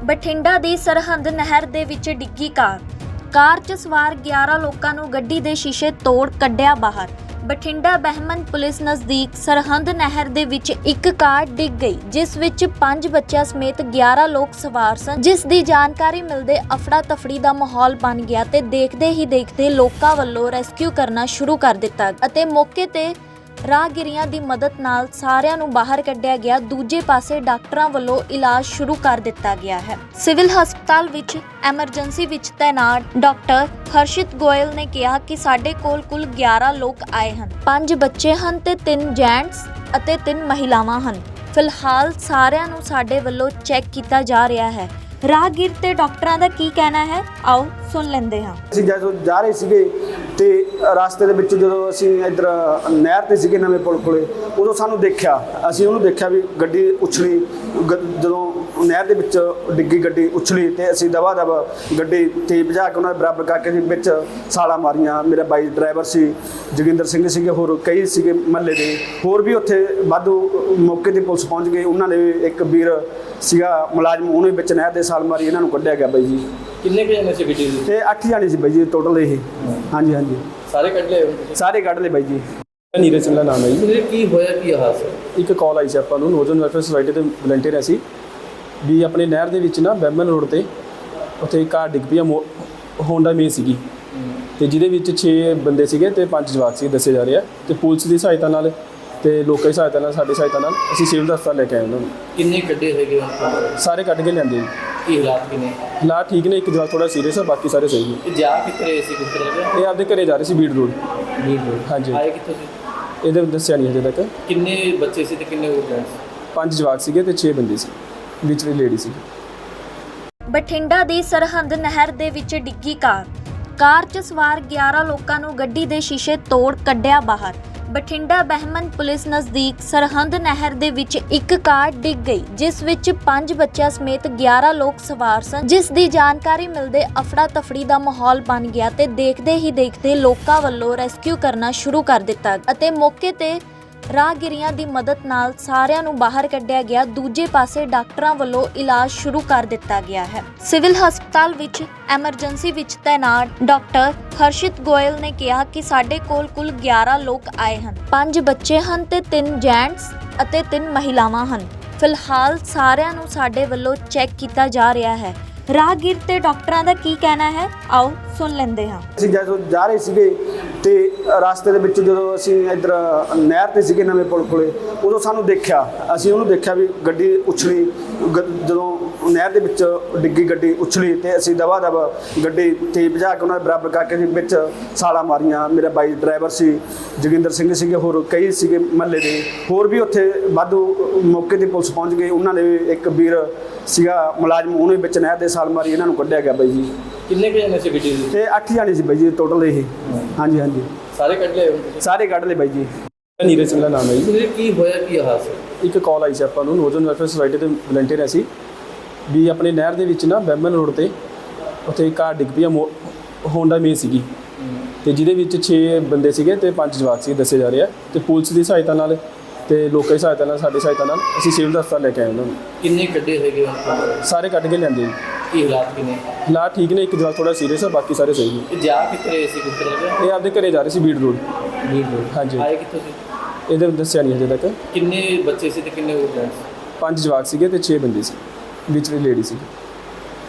ਬਠਿੰਡਾ ਦੀ ਸਰਹੰਦ ਨਹਿਰ ਦੇ ਵਿੱਚ ਡਿੱਗੀ ਕਾਰ 'ਚ ਸਵਾਰ 11 ਲੋਕਾਂ ਨੂੰ ਗੱਡੀ ਦੇ ਸ਼ੀਸ਼ੇ ਤੋੜ ਕੱਢਿਆ ਬਾਹਰ। ਬਠਿੰਡਾ ਬਹਿਮਨ ਪੁਲਿਸ ਨਜ਼ਦੀਕ ਸਰਹੰਦ ਨਹਿਰ ਦੇ ਵਿੱਚ ਇੱਕ ਕਾਰ ਡਿੱਗ ਗਈ, ਜਿਸ ਵਿੱਚ 5 ਬੱਚਿਆਂ ਸਮੇਤ 11 ਲੋਕ ਸਵਾਰ ਸਨ। ਜਿਸ ਦੀ ਜਾਣਕਾਰੀ ਮਿਲਦੇ ਅਫੜਾ ਤਫੜੀ ਦਾ ਮਾਹੌਲ ਬਣ ਗਿਆ ਤੇ ਦੇਖਦੇ ਹੀ ਦੇਖਦੇ ਲੋਕਾਂ ਵੱਲੋਂ ਰੈਸਕਿਊ ਕਰਨਾ ਸ਼ੁਰੂ ਕਰ ਦਿੱਤਾ ਅਤੇ ਮੌਕੇ ਤੇ ਰਾਹਗੀਰਾਂ ਦੀ ਮਦਦ ਨਾਲ ਸਾਰਿਆਂ ਨੂੰ ਬਾਹਰ ਕੱਢਿਆ ਗਿਆ। ਦੂਜੇ ਪਾਸੇ ਡਾਕਟਰਾਂ ਵੱਲੋਂ ਇਲਾਜ ਸ਼ੁਰੂ ਕਰ ਦਿੱਤਾ ਗਿਆ ਹੈ। ਸਿਵਲ ਹਸਪਤਾਲ ਵਿੱਚ ਐਮਰਜੈਂਸੀ ਵਿੱਚ ਤੈਨਾਤ ਡਾਕਟਰ ਹਰਸ਼ਿਤ ਗੋਇਲ ਨੇ ਕਿਹਾ ਕਿ ਸਾਡੇ ਕੋਲ ਕੁੱਲ 11 ਲੋਕ ਆਏ ਹਨ, 5 ਬੱਚੇ ਹਨ ਤੇ 3 ਜੈਂਟਸ ਅਤੇ 3 ਮਹਿਲਾਵਾਂ ਹਨ। ਫਿਲਹਾਲ ਸਾਰਿਆਂ ਨੂੰ ਸਾਡੇ ਵੱਲੋਂ ਚੈੱਕ ਕੀਤਾ ਜਾ ਰਿਹਾ ਹੈ। ਰਾਹਗੀਰ ਤੇ ਡਾਕਟਰਾਂ ਦਾ ਕੀ ਕਹਿਣਾ ਹੈ, ਆਓ ਸੁਣ ਲੈਂਦੇ ਹਾਂ। ਅਸੀਂ ਜਦੋਂ ਜਾ ਰਹੇ ਸੀਗੇ ਤੇ ਰਸਤੇ ਦੇ ਵਿੱਚ ਜਦੋਂ ਅਸੀਂ ਇੱਧਰ ਨਹਿਰ ਤੇ ਸੀਗੇ ਨਵੇਂ ਪੁਲ ਕੋਲੇ, ਉਦੋਂ ਸਾਨੂੰ ਦੇਖਿਆ, ਅਸੀਂ ਉਹਨੂੰ ਦੇਖਿਆ ਵੀ ਗੱਡੀ ਉਛਲੀ। ਜਦੋਂ ਨਹਿਰ ਦੇ ਵਿੱਚ ਡਿੱਗੀ ਗੱਡੀ ਉਛਲੀ ਤੇ ਅਸੀਂ ਦਵਾ ਦਵ ਗੱਡੀ ਤੇਜ਼ ਭਜਾ ਕੇ ਉਹਨਾਂ ਦੇ ਬਰਾਬਰ ਕਰਕੇ ਵਿੱਚ ਛਾਲਾਂ ਮਾਰੀਆਂ। ਮੇਰਾ ਬਾਈ ਡਰਾਈਵਰ ਸੀ, ਜੋਗਿੰਦਰ ਸਿੰਘ ਸੀਗੇ, ਹੋਰ ਕਈ ਸੀਗੇ ਮਹੱਲੇ ਦੇ, ਹੋਰ ਵੀ ਉੱਥੇ ਵਾਧੂ ਮੌਕੇ ਤੇ ਪੁਲਿਸ ਪਹੁੰਚ ਗਈ। ਉਹਨਾਂ ਨੇ ਇੱਕ ਵੀਰ ਸੀਗਾ ਮੁਲਾਜ਼ਮ, ਉਹਨੇ ਵਿੱਚ ਨਹਿਰ ਦੇ ਛਾਲ ਮਾਰੀ, ਇਹਨਾਂ ਨੂੰ ਕੱਢਿਆ ਗਿਆ ਬਾਈ ਜੀ। ਕਿੰਨੇ ਕੁ ਜਣੇ ਸੀ ਗੱਡੀ ਦੇ? ਤੇ 8 ਜਾਣੇ ਸੀ ਬਾਈ ਜੀ ਟੋਟਲ ਇਹ। ਹਾਂਜੀ ਹਾਂਜੀ, ਸਾਰੇ ਕੱਢ ਲਏ? ਸਾਰੇ ਕੱਢ ਲਏ ਬਾਈ ਜੀ। ਨੀਰਜ ਸਿੰਘ ਦਾ ਨਾਮ ਹੈ ਜੀ। ਕੀ ਹੋਇਆ, ਕੀ ਹਾਦਸਾ? ਇੱਕ ਕਾਲ ਆਈ ਸੀ ਆਪਾਂ ਨੂੰ, ਨੌਜਵਾਨ ਵੈਲਫੇਅਰ ਸੁਸਾਇਟੀ ਦੇ ਵਲੰਟੀਅਰ ਅਸੀਂ ਵੀ ਆਪਣੇ ਨਹਿਰ ਦੇ ਵਿੱਚ ਨਾ ਬੈਮਨ ਰੋਡ ਤੇ ਉੱਥੇ ਇੱਕ ਕਾਰ ਡਿੱਗ ਪਈ ਆ, ਹੋਂਡਾ ਮੇ ਸੀਗੀ ਤੇ ਜਿਹਦੇ ਵਿੱਚ 6 ਬੰਦੇ ਸੀਗੇ ਤੇ 5 ਜਵਾਕ ਸੀ ਦੱਸੇ ਜਾ ਰਹੇ ਆ। ਤੇ ਪੁਲਿਸ ਦੀ ਸਹਾਇਤਾ ਨਾਲ ਤੇ ਲੋਕਾਂ ਦੀ ਸਹਾਇਤਾ ਨਾਲ, ਸਾਡੀ ਸਹਾਇਤਾ ਨਾਲ ਅਸੀਂ ਸਿਵਲ ਹਸਪਤਾਲ ਲੈ ਕੇ ਆਏ ਉਹਨਾਂ ਨੂੰ। ਕਿੰਨੇ ਕੱਢੇ ਹੈਗੇ? ਸਾਰੇ ਕੱਢ ਕੇ ਲਿਆਂਦੇ ਜੀ। ਕੀ ਹਾਲਾਤ ਕਿਨੇ? ਹਾਲਾਤ ਠੀਕ ਨੇ, ਇੱਕ ਜਵਾਕ ਥੋੜਾ ਸੀਰੀਅਸ ਆ, ਬਾਕੀ ਸਾਰੇ ਸਹੀ ਨੇ। ਇਹ ਜਾ ਕਿੱਥੇ ਰਹੇ ਸੀ, ਕਿੱਥੇ ਲੱਗਿਆ? ਇਹ ਆਪਦੇ ਘਰੇ ਜਾ ਰਹੇ ਸੀ, ਬੀੜ ਰੋਡ। ਹਾਂਜੀ। ਆਏ ਕਿੱਥੋਂ ਸੀ? ਇਹਦੇ ਦੱਸਿਆ ਨਹੀਂ ਹਜੇ ਤੱਕ। ਕਿੰਨੇ ਬੱਚੇ ਸੀ ਤੇ ਕਿੰਨੇ ਜੈਂਟਸ? 5 ਜਵਾਕ ਸੀਗੇ ਤੇ 6 ਬੰਦੇ ਸੀ, ਵਿੱਚ ਵੀ ਲੇਡੀ ਸੀ। ਬਠਿੰਡਾ ਦੀ ਸਰਹੰਦ ਨਹਿਰ ਦੇ ਵਿੱਚ ਡਿੱਗੀ ਕਾਰ 'ਚ ਸਵਾਰ 11 ਲੋਕਾਂ ਨੂੰ ਗੱਡੀ ਦੇ ਸ਼ੀਸ਼ੇ ਤੋੜ ਕੱਢਿਆ ਬਾਹਰ। ਬਠਿੰਡਾ ਬਹਿਮਨ ਪੁਲਿਸ ਨਜ਼ਦੀਕ ਸਰਹੰਦ ਨਹਿਰ ਦੇ ਵਿੱਚ ਇੱਕ ਕਾਰ ਡਿੱਗ ਗਈ, ਜਿਸ ਵਿੱਚ 5 ਬੱਚਿਆਂ ਸਮੇਤ 11 ਲੋਕ ਸਵਾਰ ਸਨ। ਜਿਸ ਦੀ ਜਾਣਕਾਰੀ ਮਿਲਦੇ ਅਫੜਾ ਤਫੜੀ ਦਾ ਮਾਹੌਲ ਬਣ ਗਿਆ ਤੇ ਦੇਖਦੇ ਹੀ ਦੇਖਦੇ ਲੋਕਾਂ ਵੱਲੋਂ ਰੈਸਕਿਊ ਕਰਨਾ ਸ਼ੁਰੂ ਕਰ ਦਿੱਤਾ ਅਤੇ ਮੌਕੇ ਤੇ ਰਾਹਗੀਰਾਂ ਦੀ ਮਦਦ ਨਾਲ ਸਾਰਿਆਂ ਨੂੰ ਬਾਹਰ ਕੱਢਿਆ ਗਿਆ। ਦੂਜੇ ਪਾਸੇ ਡਾਕਟਰਾਂ ਵੱਲੋਂ ਇਲਾਜ ਸ਼ੁਰੂ ਕਰ ਦਿੱਤਾ ਗਿਆ ਹੈ। ਸਿਵਲ ਹਸਪਤਾਲ ਵਿੱਚ ਐਮਰਜੈਂਸੀ ਵਿੱਚ ਤੈਨਾਤ ਡਾਕਟਰ ਹਰਸ਼ਿਤ ਗੋਇਲ ਨੇ ਕਿਹਾ ਕਿ ਸਾਡੇ ਕੋਲ ਕੁੱਲ 11 ਲੋਕ ਆਏ ਹਨ, 5 ਬੱਚੇ ਹਨ ਤੇ 3 ਜੈਂਟਸ ਅਤੇ 3 ਮਹਿਲਾਵਾਂ ਹਨ। ਫਿਲਹਾਲ ਸਾਰਿਆਂ ਨੂੰ ਸਾਡੇ ਵੱਲੋਂ ਚੈੱਕ ਕੀਤਾ ਜਾ ਰਿਹਾ ਹੈ। ਰਾਹਗੀਰ ਤੇ ਡਾਕਟਰਾਂ ਦਾ ਕੀ ਕਹਿਣਾ ਹੈ, ਆਓ ਸੁਣ ਲੈਂਦੇ ਹਾਂ। ਅਸੀਂ ਜਦੋਂ ਜਾ ਰਹੇ ਸੀਗੇ ਤੇ ਰਸਤੇ ਦੇ ਵਿੱਚ ਜਦੋਂ ਅਸੀਂ ਇੱਧਰ ਨਹਿਰ ਤੇ ਸੀਗੇ ਨਵੇਂ ਪੁਲ ਕੋਲੇ, ਉਦੋਂ ਸਾਨੂੰ ਦੇਖਿਆ, ਅਸੀਂ ਉਹਨੂੰ ਦੇਖਿਆ ਵੀ ਗੱਡੀ ਉਛਲੀ। ਜਦੋਂ ਨਹਿਰ ਦੇ ਵਿੱਚ ਡਿੱਗੀ ਗੱਡੀ ਉਛਲੀ ਤੇ ਅਸੀਂ ਦਵਾ ਦਵ ਗੱਡੀ ਤੇਜ਼ ਭਜਾ ਕੇ ਉਹਨਾਂ ਦੇ ਬਰਾਬਰ ਕਰਕੇ ਵਿੱਚ ਛਾਲਾਂ ਮਾਰੀਆਂ। ਮੇਰਾ ਬਾਈ ਡਰਾਈਵਰ ਸੀ, ਜੋਗਿੰਦਰ ਸਿੰਘ ਸੀਗੇ, ਹੋਰ ਕਈ ਸੀਗੇ ਮਹੱਲੇ ਦੇ, ਹੋਰ ਵੀ ਉੱਥੇ ਵਾਧੂ ਮੌਕੇ ਤੇ ਪੁਲਿਸ ਪਹੁੰਚ ਗਈ। ਉਹਨਾਂ ਨੇ ਇੱਕ ਵੀਰ ਸੀਗਾ ਮੁਲਾਜ਼ਮ, ਉਹਨੇ ਵਿੱਚ ਨਹਿਰ ਦੇ ਛਾਲ ਮਾਰੀ, ਇਹਨਾਂ ਨੂੰ ਕੱਢਿਆ ਗਿਆ ਬਾਈ ਜੀ। ਕਿੰਨੇ ਕੁ ਜਣੇ ਸੀ ਗੱਡੀ ਦੇ? ਤੇ 8 ਜਾਣੇ ਸੀ ਬਾਈ ਜੀ ਟੋਟਲ ਇਹ। ਹਾਂਜੀ ਹਾਂਜੀ, ਸਾਰੇ ਕੱਢ ਲਏ? ਸਾਰੇ ਕੱਢ ਲਏ ਬਾਈ ਜੀ। ਨੀਰਜ ਸਿੰਘ ਦਾ ਨਾਮ ਹੈ ਜੀ। ਕੀ ਹੋਇਆ, ਕੀ ਹਾਦਸਾ? ਇੱਕ ਕਾਲ ਆਈ ਸੀ ਆਪਾਂ ਨੂੰ, ਨੌਜਵਾਨ ਵੈਲਫੇਅਰ ਸੁਸਾਇਟੀ ਦੇ ਵਲੰਟੀਅਰ ਅਸੀਂ ਵੀ ਆਪਣੇ ਨਹਿਰ ਦੇ ਵਿੱਚ ਨਾ ਬੈਮਨ ਰੋਡ ਤੇ ਉੱਥੇ ਇੱਕ ਕਾਰ ਡਿੱਗ ਪਈ ਆ, ਹੋਂਡਾ ਮੇ ਸੀਗੀ ਤੇ ਜਿਹਦੇ ਵਿੱਚ 6 ਬੰਦੇ ਸੀਗੇ ਤੇ 5 ਜਵਾਕ ਸੀ ਦੱਸੇ ਜਾ ਰਹੇ ਆ। ਤੇ ਪੁਲਿਸ ਦੀ ਸਹਾਇਤਾ ਨਾਲ ਤੇ ਲੋਕਾਂ ਦੀ ਸਹਾਇਤਾ ਨਾਲ, ਸਾਡੀ ਸਹਾਇਤਾ ਨਾਲ ਅਸੀਂ ਸਿਵਲ ਹਸਪਤਾਲ ਲੈ ਕੇ ਆਏ ਉਹਨਾਂ ਨੂੰ। ਕਿੰਨੇ ਕੱਢੇ ਹੈਗੇ? ਸਾਰੇ ਕੱਢ ਕੇ ਲਿਆਂਦੇ ਜੀ। ਕੀ ਹਾਲਾਤ ਕਿਨੇ? ਹਾਲਾਤ ਠੀਕ ਨੇ, ਇੱਕ ਜਵਾਕ ਥੋੜਾ ਸੀਰੀਅਸ ਆ, ਬਾਕੀ ਸਾਰੇ ਸਹੀ ਨੇ। ਇਹ ਜਾ ਕਿੱਥੇ ਰਹੇ ਸੀ, ਕਿੱਥੇ ਲੱਗਿਆ? ਇਹ ਆਪਦੇ ਘਰੇ ਜਾ ਰਹੇ ਸੀ, ਬੀੜ ਰੋਡ। ਹਾਂਜੀ। ਆਏ ਕਿੱਥੋਂ ਸੀ? ਇਹਦੇ ਦੱਸਿਆ ਨਹੀਂ ਹਜੇ ਤੱਕ। ਕਿੰਨੇ ਬੱਚੇ ਸੀ ਤੇ ਕਿੰਨੇ ਜੈਂਟਸ? 5 ਜਵਾਕ ਸੀਗੇ ਤੇ 6 ਬੰਦੇ ਸੀ, ਵਿੱਚ ਵੀ ਲੇਡੀ ਸੀ।